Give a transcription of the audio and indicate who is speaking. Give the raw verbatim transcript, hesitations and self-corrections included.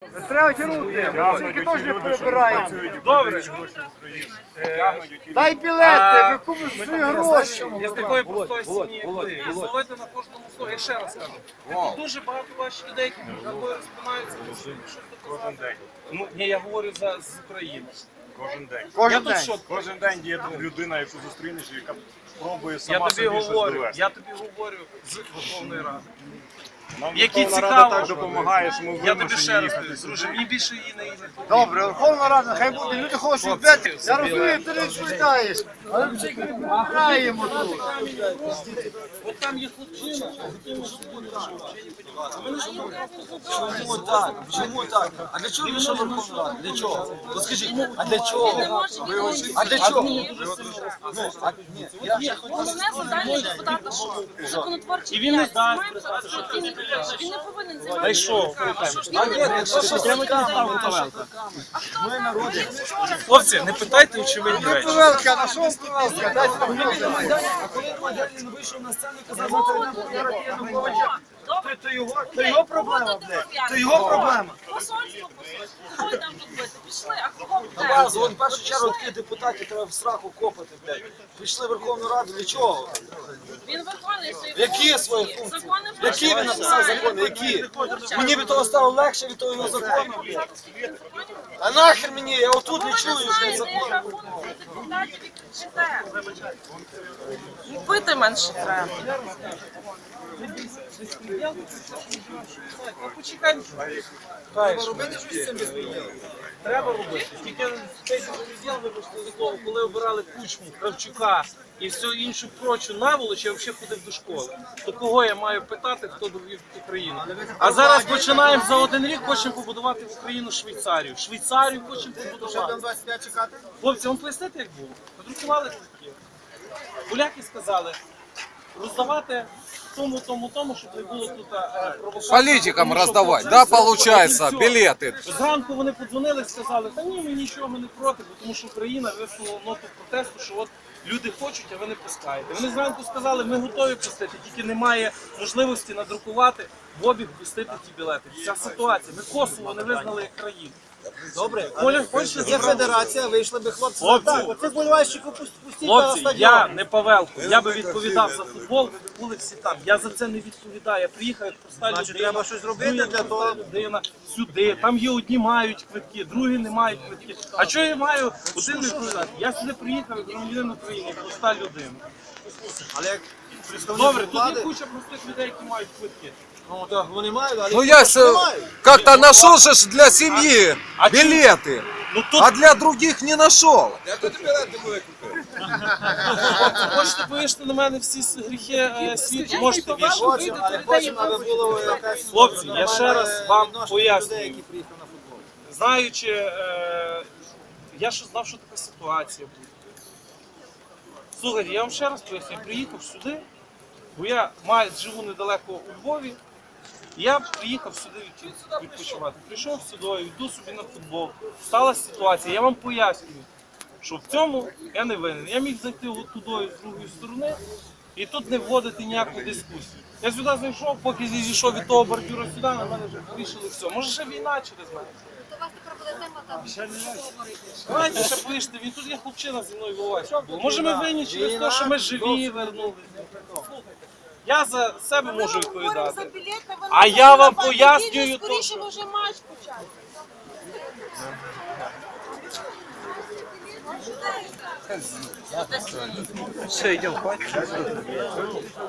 Speaker 1: Треба тягнути, тільки теж не перебираємо.
Speaker 2: Добре.
Speaker 1: Дай білети, ви купите свої гроші.
Speaker 2: Я з такої простої сім'ї, як ви. І зловити на кожному слові. Я ще раз кажу. Дуже багато ваших людей, які між собою розпинаються. Кожен день. Ну, ні, я говорю за з України.
Speaker 3: Кожен день.
Speaker 2: Я
Speaker 1: Кожен
Speaker 2: тут
Speaker 1: день.
Speaker 2: що?
Speaker 3: Кожен день є людина, яку зустрінеш, яка пробує
Speaker 2: Я
Speaker 3: сама
Speaker 2: тобі
Speaker 3: собі щось
Speaker 2: говорю,
Speaker 3: довести.
Speaker 2: я тобі говорю з Верховної Ради.
Speaker 3: Нам
Speaker 2: Які
Speaker 3: Верховна
Speaker 2: цікаво.
Speaker 3: Рада так допомагає, що ми
Speaker 2: Я тобі
Speaker 3: вимушені
Speaker 2: ще раз
Speaker 3: їхати
Speaker 2: кажу,
Speaker 3: сюди.
Speaker 2: друже, мені більше її не їде.
Speaker 1: Добре, Верховна Рада, хай буде, люди хочуть бити. Я розумію, ти не відповідаєш. Але ми тільки граємо тут.
Speaker 2: От там є хлопчина, з яким ми будемо взагалі не
Speaker 4: Чому так? Чому так? А для чого вийшов Верховна Рада? Для чого? Ну скажіть, а для чого? А для чого? Ну, а ні, я ще хочу.
Speaker 5: Головне завдання депутата, що законотворчий
Speaker 2: І він не
Speaker 5: діяльність.
Speaker 2: дасть
Speaker 5: Маємо сказати, що він, він не повинен займатися.
Speaker 2: Та й що?
Speaker 5: Що ж він не повинен займатися.
Speaker 2: Хлопці, не питайте очевидні речі.
Speaker 1: Павелка, на що Павелка? Дайте там гроші.
Speaker 4: А коли Мадянін вийшов на сцену і казав, що Януковича,
Speaker 5: Добре.
Speaker 4: то його, то його проблема, блядь. То його проблема.
Speaker 5: Посольство, посольство. Кого там тут бити? Пішли, а кого
Speaker 4: На
Speaker 5: вдерли?
Speaker 4: базу, от в першу чергу таких депутатів треба в сраку копати, блядь. Прийшли в Верховну Раду, для чого?
Speaker 5: Він виконує свої
Speaker 4: Які
Speaker 5: функції.
Speaker 4: свої функції?
Speaker 5: Закони
Speaker 4: Які він написав закони? Які? Мені від того стало легше, від того його закону, блядь. А нахер мені, я отут не чую, блядь, закону.
Speaker 5: Депутатів і кричите. І пити менше треба.
Speaker 2: Почекай. Треба робити щось з цим безпреділом. Треба робити. Тільки цей безпреділ, вибачте за слово, коли обирали Кучму, Кравчука і всю іншу прочу наволоч, я взагалі ходив до школи. То кого я маю питати, хто довів Україну? А зараз починаємо за один рік, хочемо побудувати в Україну Швейцарію. Швейцарію хочемо побудувати. Хлопці, вам пояснити, як було? Подрукували квитки. Поляки сказали, роздавати тому, тому, тому, щоб не було тут е, провокацій.
Speaker 6: Политикам
Speaker 2: Тому що
Speaker 6: раздавать,
Speaker 2: процес
Speaker 6: да,
Speaker 2: проходить
Speaker 6: получается,
Speaker 2: все.
Speaker 6: билеты.
Speaker 2: Зранку вони подзвонили і сказали, та ні, ми нічого ми не проти, бо тому що Україна висунула ноту протесту, що от люди хочуть, а ви не пускаєте. Вони зранку сказали, ми готові пустити, тільки немає можливості надрукувати в обіг пустити ті білети. Ця ситуація. Ми Косово не визнали як країну.
Speaker 4: Добре,
Speaker 2: Коля, хочеш
Speaker 4: є федерація, вийшли би хлопці.
Speaker 2: Хлопці.
Speaker 4: Так, оцих болівальщиків пустіть на
Speaker 2: Хлопці,
Speaker 4: стадіон.
Speaker 2: я не Павелко, я би відповідав за футбол, ви б були всі там. Я за це не відповідаю. Я приїхав як проста людина.
Speaker 4: Значить, треба щось робити
Speaker 2: ну, як
Speaker 4: для того.
Speaker 2: проста людина сюди. Там є одні мають квитки, другі не мають квитки. А що я маю один відповідати? Я сюди приїхав як громадянин України, як проста людина.
Speaker 4: Але як представник
Speaker 2: Добре, тут є
Speaker 4: влади,
Speaker 2: куча простих людей, які мають квитки.
Speaker 4: ну так вони мають, але
Speaker 6: Ну
Speaker 4: їх
Speaker 6: я
Speaker 4: просто
Speaker 6: ж
Speaker 4: немає.
Speaker 6: как-то нашел же ж для семьи
Speaker 2: а чё-
Speaker 6: билеты,
Speaker 2: Ну тут
Speaker 6: а для других не нашел.
Speaker 2: хочете повішати на мене всі с- гріхи е, світу, можете вішати.
Speaker 4: Хочемо, але хочемо, аби було якась
Speaker 2: Хлопці, я ще раз вам
Speaker 4: відношення
Speaker 2: пояснюю.
Speaker 4: людей, які приїхали на футбол.
Speaker 2: Знаючи, е, я ж знав, що така ситуація буде. Слухайте, я вам ще раз поясню, я приїхав сюди, бо я маю, живу недалеко у Львові, і я приїхав сюди від- відпочивати. Прийшов сюди, йду собі на футбол. Сталася ситуація, я вам пояснюю, що в цьому я не винен. Я міг зайти от туди з другої сторони і тут не вводити ніяку дискусію. Я сюди зайшов, поки зійшов від того бордюра сюди, на мене вже вирішили все. Може ще війна через мене.
Speaker 5: У вас тепер буде тема там.
Speaker 2: Давайте ще поїжте, він тут є хлопчина зі мною волосся. Може ми винні через те, що ми живі вернулися. Я за себе можу відповідати. А я вам пояснюю то,
Speaker 5: Скоріше вже матч почати.
Speaker 6: Все, идем, хватит.